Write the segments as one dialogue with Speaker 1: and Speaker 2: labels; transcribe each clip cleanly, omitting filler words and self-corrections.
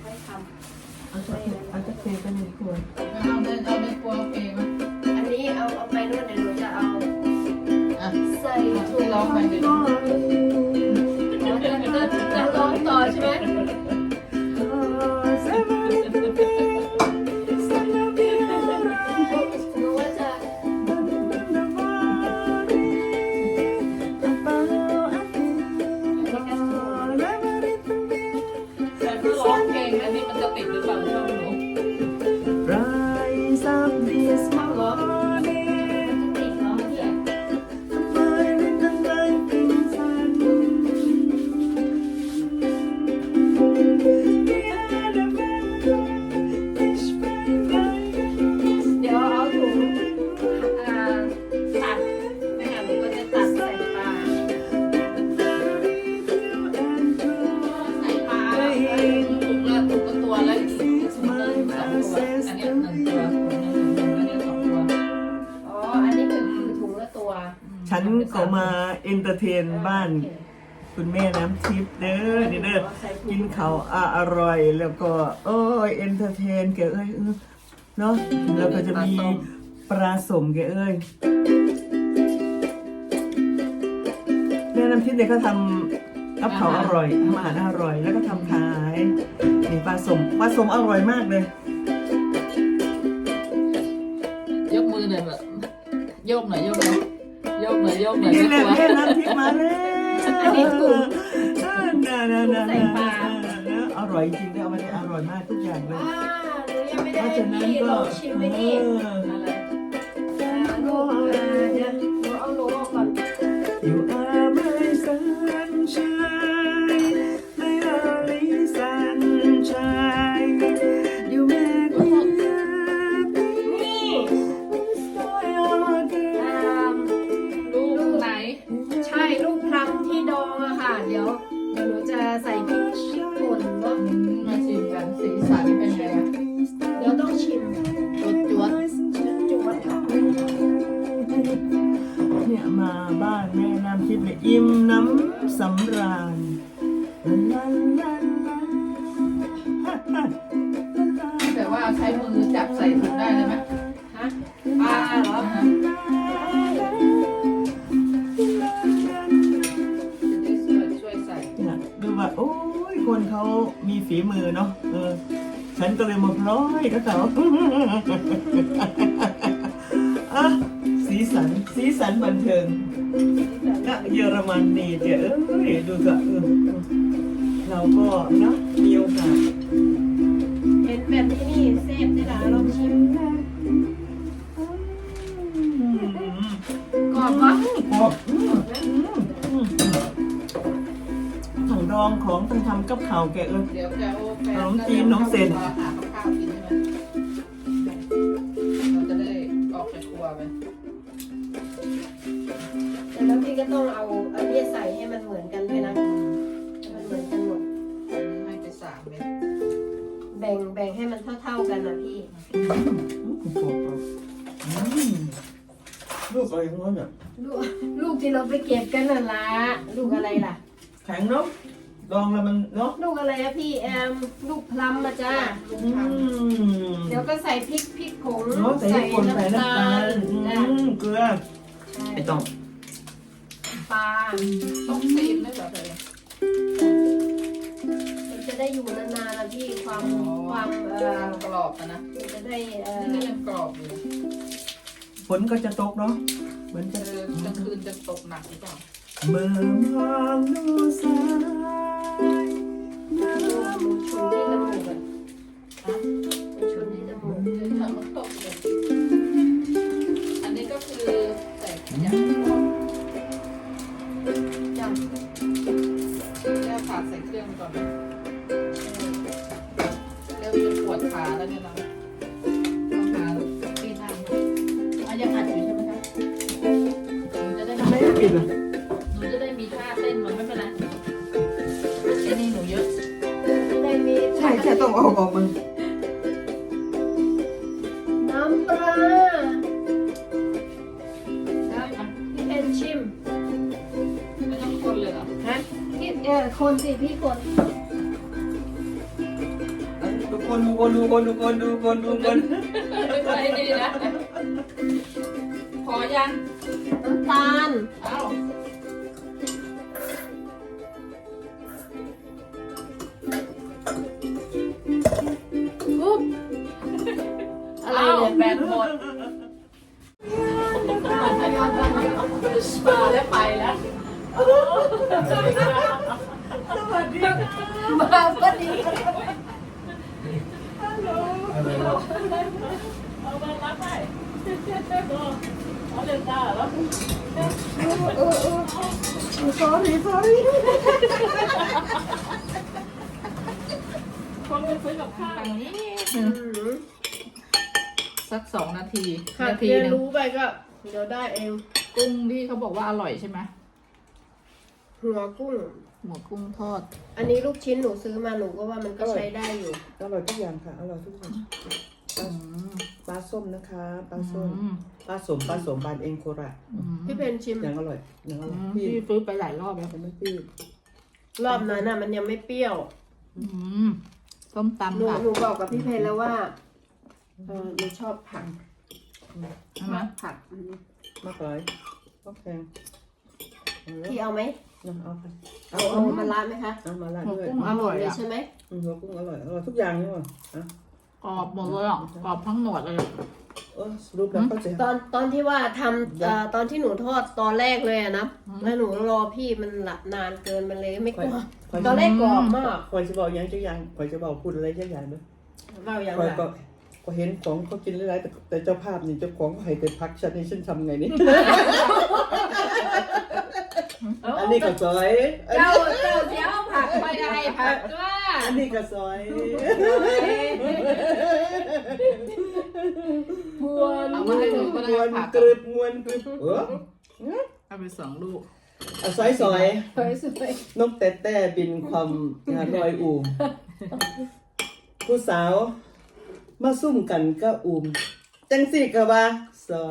Speaker 1: ค่อยทำ
Speaker 2: เอาจะเทไปหนึ่งขวด
Speaker 3: เอาในครัวโอเคไหม
Speaker 1: อันนี้เอาไปนู่นเดี๋ยวหนูจะเอาใส่ถุง
Speaker 3: ร้องไปเดี๋ยว
Speaker 1: จะร้องต่อใช่ไหมหนูว่าจะ
Speaker 3: แต่ถ้าร้องเพลงอันนี้มันจะติดหรือเปล่าช่องหนู
Speaker 2: Rise up this
Speaker 1: เข้าร้องติดร้องเนี่ย
Speaker 2: morning the lightning sun We are the best fish by night
Speaker 1: เดี๋ยวเอาถุงตัดแม่หนูก็จะตัดใส่ปลาใส่ปลา
Speaker 3: ถูกละตัวแล้วอีกถุงละ2 ตัวอันนี้1 ตัวอันนี้2 ตัว
Speaker 1: อ๋ออันนี้คือถุงละตัว
Speaker 2: ฉันก็มาเอนเตอร์เทนบ้านคุณแม่น้ำทิพย์เด้อนี่เด้อกินข้าวอร่อยแล้วก็โอ้ยเอนเตอร์เทนแกเอ้ยเนาะแล้วก็จะมีปลาสมแกเอ้ยแม่น้ำทิพย์เนี่ยเขาทำกับข้าวอร่อยทำอาหารอร่อยแล้วก็ทำขายนี่ปลาสมอร่อยมากเลย
Speaker 3: ยกมือหน่อยแบบโยกหน่อยโยกหน่อยโยกหน่อยโยกหน่อย
Speaker 2: นี่แหละ
Speaker 3: ตัว
Speaker 2: แม่น้ำทิพย์มาแล้ว
Speaker 1: อันนี้ถุง
Speaker 2: ใส่ปลาอร่อยจริงๆเลยเอามาได้อร่อยมากทุกอย่างเลย
Speaker 1: หนูยังไม่ได้
Speaker 2: เพราะ
Speaker 1: ให้
Speaker 2: ฉะนั้น
Speaker 1: พี่ล
Speaker 2: ก็
Speaker 1: องชิมไหมนี่อะไรลูกเดี๋ยวหนูเอาโลออกก่อน
Speaker 2: You are my sunshine my only sunshine You make me happy
Speaker 1: นี่
Speaker 3: ลูกไหน
Speaker 1: ใช่ลูกพลัมที่ดองอะค่ะ เดี๋ยวหนูจะใส่พริกป่นเนาะ
Speaker 3: มาชิมกันสีสันเป็นไงอะ
Speaker 1: เดี๋ยวต้องชิม
Speaker 3: จวด
Speaker 1: จุ๊บค่ะ
Speaker 2: เนี่ยมาบ้านแม่น้ำทิพย์เนี่ยอิ่มน้ำสำราญลาลาลาลา
Speaker 3: แต่ว่าใช้มือจับใส่ถุงได้เลยไหม
Speaker 1: ฮะปลาเหรอ
Speaker 3: จะได้ช่วยใส่
Speaker 2: เนี่ยดูว่าโอ้ยคนเขามีฝีมือเนาะฉันก็เลยมาพร้อยก็เขาอ่ะสีสันบันเทิงณเยอรมันนี่เดี๋ยวดูก็เราก็นะมีโอกาส
Speaker 1: เห็นแบบนี้นี่เซฟได้ละลองชิมกรอบปะ
Speaker 2: ถังดองของตั้งทำกับข่าวแก
Speaker 3: เดี๋ยวจะเอาแฟน
Speaker 2: ขนมจีนน้องเซน
Speaker 3: หาข้าวกินใช่ไหมเราจะได้ออกจากครัวไป
Speaker 1: แล้วพี่ก็ต้องเอาอันนี้ใส่ให้มันเหมือนกันด้วยนะให้มันเหมือนกันหมด
Speaker 3: อันนี้ให้ไป3 เม็ด
Speaker 1: แบ่งให้มันเท่าๆกันนะพี่
Speaker 2: ลูกอะไรของมันอ่ะ
Speaker 1: ลูกที่เราไปเก็บกันน่ะละลูกอะไรล่ะ
Speaker 2: แข็งเนาะดองแล้วมันเนาะ
Speaker 1: ลูกอะไรอะพี่ลูกพลัมมาจ้าเดี๋ยวก็ใส่พริกผง
Speaker 2: เนาะใส่คนใส่น้ำตาล
Speaker 1: จ้ะ
Speaker 2: เกลือไม่ต้อง
Speaker 1: ปลา
Speaker 3: ต้องซีนเลยเหรอเธอ
Speaker 1: มันจะได้อยู่นานๆนะพี่ความ
Speaker 3: กรอบนะ
Speaker 1: มันจะได้
Speaker 3: นี่ยังกรอบอยู่
Speaker 2: ฝนก็จะตกเนาะเหมือนจะ
Speaker 3: กลางคืนจะตกหนักหรือเปล่า
Speaker 2: เมื่อมองดูสายน้
Speaker 1: มันชุนที่จมูกอะ
Speaker 3: ฮะ
Speaker 1: มันชุนที่จมูก
Speaker 3: เดี๋ยวทำมันตกเลยอันนี้ก็คือใส่ขยะ
Speaker 1: จ้ะ
Speaker 3: แค่ผัดใส่เครื่องก่อนเริ่มจะปวดขาแล้วเนี่ยเราต้องหาที่นั่งยังอัดอยู่ใช่ไหมคะหนูจะได้
Speaker 2: ำไม่ปิดเหรอ
Speaker 3: หนูจะได้มีท่าเต้นมันไม่เป็นไรไอ้นี่หนูเยอะ
Speaker 1: จะได้มี
Speaker 2: ใช่แค่ต้องเอาออกมัน
Speaker 1: น้ำปลา
Speaker 3: ได้ไหม
Speaker 1: พี่เพนชิม
Speaker 3: ไม่ต้องคนเลยเหรอ
Speaker 1: ฮะพี่คนสิพี่คน
Speaker 3: ตไปดีนะพอยัง
Speaker 1: น้ำตาล
Speaker 3: เอ้า
Speaker 1: ปุ๊บอะไร
Speaker 3: เอ้า
Speaker 1: เนี่ย
Speaker 3: แบนหมดมาแล้วไปแล้ว
Speaker 1: มาก็ดี
Speaker 3: เอามารับไปเอาเดินตาแล้ว
Speaker 2: sorry
Speaker 3: คนไปซื้อกับข้าวอย่างนี้สัก2 นาที
Speaker 1: หาก
Speaker 3: นาที
Speaker 1: เรียน
Speaker 3: หนึง
Speaker 1: รู้ไปก็เดี๋ยวได้เอง
Speaker 3: กุ้งที่เขาบอกว่าอร่อยใช่ไหม
Speaker 1: หัวกุ้ง
Speaker 3: หมูกุ้งทอด
Speaker 1: อันนี้ลูกชิ้นหนูซื้อมาหนูก็ว่ามันก็ใช้ได้อยู่
Speaker 2: อร่อยทุกอย่างค่ะอร่อยทุกอย่าง
Speaker 3: อืม
Speaker 2: ปลาส้มนะคะปลาส้ม
Speaker 3: อืม
Speaker 2: ปลาสมบานเองโคราช
Speaker 3: อืม
Speaker 1: พี่เพนชิม
Speaker 2: ยังอร่อยยังอร่อย
Speaker 3: พี่
Speaker 2: พี่
Speaker 3: ซื้อไปหลายรอบแล้ว
Speaker 2: ยังไม่พี่
Speaker 1: รอบนั้นน่ะมันยังไม่เปรี้ยว
Speaker 3: อืมต้มตำ
Speaker 1: หนู
Speaker 3: ค่ะ
Speaker 1: หนูบอกกับพี่เพนแล้วว่าหนูชอบผัก
Speaker 3: ใช่ไหม
Speaker 1: ผัก
Speaker 2: มากเลยก็แพง
Speaker 1: พี่เอาไหม
Speaker 2: เอาค่ะ
Speaker 1: เอามาล้านไหมคะ
Speaker 2: เอามาละ
Speaker 3: หมู
Speaker 2: ด้วย
Speaker 3: กุ้งอร่อย
Speaker 1: เลย
Speaker 3: อ่ะ
Speaker 1: ใช่ไหม
Speaker 2: หัวกุ้งอร่อยทุกอย่างนี่หว่ะ
Speaker 3: กรอบหมดเลยอ่ะกรอบทั้งหนวดเลย
Speaker 2: รูปแล้วก็จะ
Speaker 1: ตอนที่ว่าทำตอนที่หนูทอดตอนแรกเลยอะนะแล้วหนูรอพี่มันละนานเกินมันเลยไม่กรอบตอนแรกกรอบมาก
Speaker 2: คอยจะบอกยังจะยังคอยจะบอกพูดอะไรจะยังด้วย
Speaker 1: เล่าอย่าง
Speaker 2: คอย
Speaker 1: ไร
Speaker 2: ก็เห็นของเขากินหลายๆแต่เจ้าภาพนี่เจ้าของเขาให้แต่พักฉันนี่ฉันทำไงนี่ อันนี้ก็ซอย
Speaker 1: เจ้าเดี๋ยวผักไปอะไรผักว่า
Speaker 2: อันนี้ก็ซอย
Speaker 1: พวน
Speaker 3: เอามาให้ดูก็
Speaker 2: ม
Speaker 3: ได้
Speaker 2: วน
Speaker 3: ผัก
Speaker 2: กรึบมวนกรึบ
Speaker 3: เอาไป2 ลูก
Speaker 2: เอาซอย
Speaker 1: สวย
Speaker 2: นกแต่แต่บินความงานลอยอูมผู้สาวมาซุ่มกันก็อูมจังสิก็ว่าซอย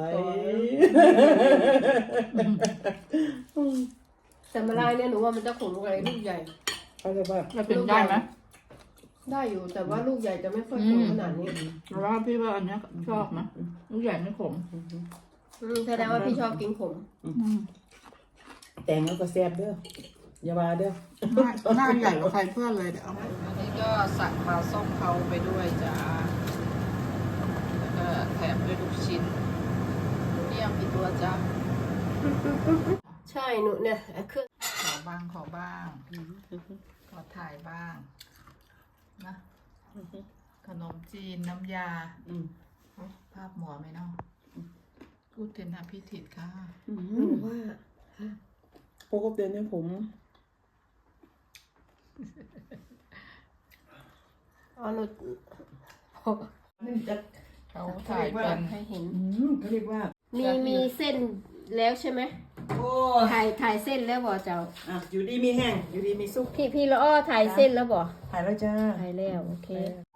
Speaker 1: แต่มาลายเนี่ยหนูว่ามันจะขมอะไรลูกใหญ่
Speaker 2: เขาจะว่า
Speaker 3: จะเป็นได้ไหม
Speaker 1: ได้อยู่แต่ว่าลูกใหญ่จะไม่ค่อยขมขนาดนี้
Speaker 3: เพราะว่าพี่ว่าอันเนี้ยชอบนะลูกใหญ่ไม่ขม
Speaker 1: แสดงว่าพี่ชอบกินขม
Speaker 2: แตงแล้วก็แซ่บเด้ออย่าว่าเด้อ
Speaker 3: หน้าใหญ่กว่าใครเพื่อนเลยเดี๋ยวเอาอันนี้ก็สั่งปลาส้มเขาไปด้วยจ้าแล้วก็แถมด้วยลูกชิ้นนี่ยังกี่ตัวจ้า
Speaker 1: ใช่หนูเนี่ยเครื่อง
Speaker 3: ขอบ้างขอถ่ายบ้างนะขนมจีนน้ำยาภาพหมอไหมเนาะพูดเทนหาพี่ถิดค่ะ
Speaker 1: หนูว่า
Speaker 2: พวกเดือนนี้ผม
Speaker 1: อ๋อหนู
Speaker 2: นี่จะ
Speaker 3: เขาถ่ายเป็น
Speaker 1: ให้เห็น
Speaker 2: เขาเรียกว่า
Speaker 1: มีเส้นแล้วใช่ไหม
Speaker 2: โอ้
Speaker 1: ถ่ายเส้นแล้วบ่เจ้า
Speaker 2: อยู่ดีมีแห้งอยู่ดีมีซุป
Speaker 1: พี่ละอ้อถ่ายเส้นแล้วบ่
Speaker 2: ถ่ายแล้วจ้า
Speaker 1: ถ่ายแล้วโอเค